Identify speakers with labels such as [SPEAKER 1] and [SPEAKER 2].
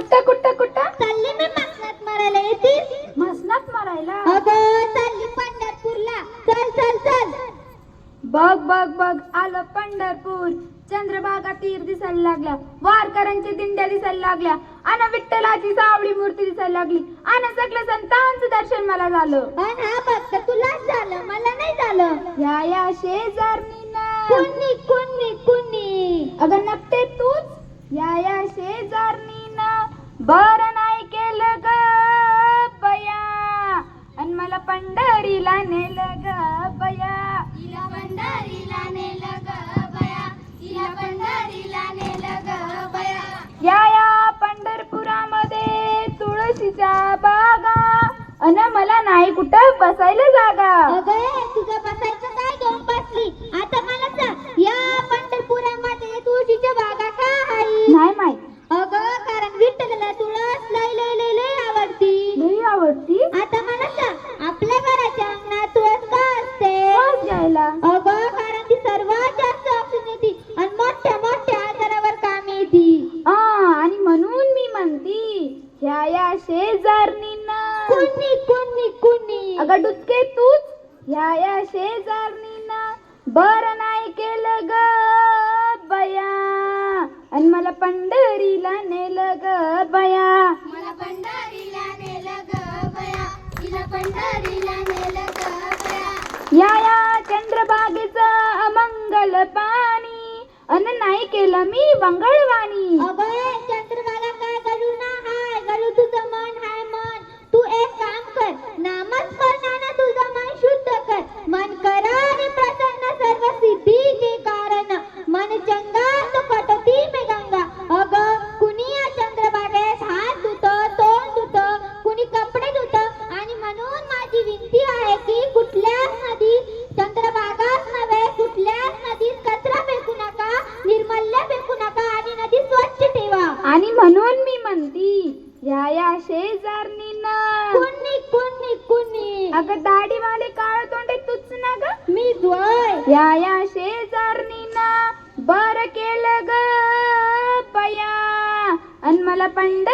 [SPEAKER 1] कुठं कुठं कुठं
[SPEAKER 2] चालली मी मसनात मारायला, येतीस?
[SPEAKER 1] मसनात मारायला?
[SPEAKER 2] अगं चालली पंढरपूरला, चल चल चल.
[SPEAKER 1] बघ बघ बघ आलं पंढरपूर. चंद्रभागा तीर दिसायला लागल्या, वारकऱ्यांच्या दिंड्या दिसायला लागल्या, आणि विठ्ठलाची सावळी मूर्ती दिसायला लागली, आणि सगळं संतांचं दर्शन मला झालं.
[SPEAKER 2] पण हा फक्त तुलाच झालं, मला नाही झालं.
[SPEAKER 1] या शेजारणीनं
[SPEAKER 2] कुणी कुणी कुणी
[SPEAKER 1] अगं नकटे तूच. या शेजारणीनं बरं नाही केलं ग बया, आणि मला पंढरीला नेलं ग बया.
[SPEAKER 2] तिला पंढरीला नेलं ग बया, तिला पंढरीला नेलं ग बया.
[SPEAKER 1] या पंढरपुरामध्ये तुळशीच्या बागा, अन मला नाही कुठं बसायला जागा.
[SPEAKER 2] अगं तुझं बसायचं काय घेऊन बसली? आता मला सांग, या पंढरपुरामध्ये तुळशीच्या बागा का आहे?
[SPEAKER 1] नाही माहित.
[SPEAKER 2] अगं कारण विठ्ठलाला तुळस लय लय लय लय आवडती.
[SPEAKER 1] लई आवडती.
[SPEAKER 2] आता मला सांग, आपल्या घराच्या अंगणात तुळस का असते?
[SPEAKER 1] वास घ्यायला.
[SPEAKER 2] अगं कारण ती सर्वात जास्त ऑक्सिजन येते आणि मोठ्या मोठ्या आजारावर काम येते.
[SPEAKER 1] आणि म्हणून मी म्हणती, या शेजारणीनं
[SPEAKER 2] कुणी कुणी कुणी
[SPEAKER 1] अगं डुचके तूच. या शेजारणीनं बरं नाही केलं ग बया, आणि मला पंढरीला नेलं ग बया.
[SPEAKER 2] मला पंढरीला नेलं ग बया, तिला पंढरीला नेलं ग बया.
[SPEAKER 1] या चंद्रभागेचं अमंगल पाणी, अन नाही केलं मी मंगळवाणी.
[SPEAKER 2] अगं चंद्रभागा काय गळू ना हाय, गळू तुझं मन हाय मन. तू एक काम कर, नामस्मरणानं तुझं मन शुद्ध कर. मन करा आणि प्रसन्न सर्व सिद्धीचे कारण. मन चंगा तो कटती में गंगा. अगं कुणी या चंद्रभागेत हात धुतं, तोंड धुतं, कुणी कपडे धुतं, आणि म्हणून माझी विनंती आहे की कुठल्याच नदीत, चंद्रभागाच नव्हे कुठल्याच नदीत कचरा फेकू नका, निर्मल्य फेकू नका, आणि नदी स्वच्छ ठेवा.
[SPEAKER 1] आणि म्हणून मी म्हणती, या शेजारणीनं
[SPEAKER 2] कुणी कुणी कुणी
[SPEAKER 1] अगं दाढीवाले काळ तोंडे तुच ना ग.
[SPEAKER 2] मी जोय.
[SPEAKER 1] या शेजारणीनं बरं केलं ग बया, आणि मला पंढरीला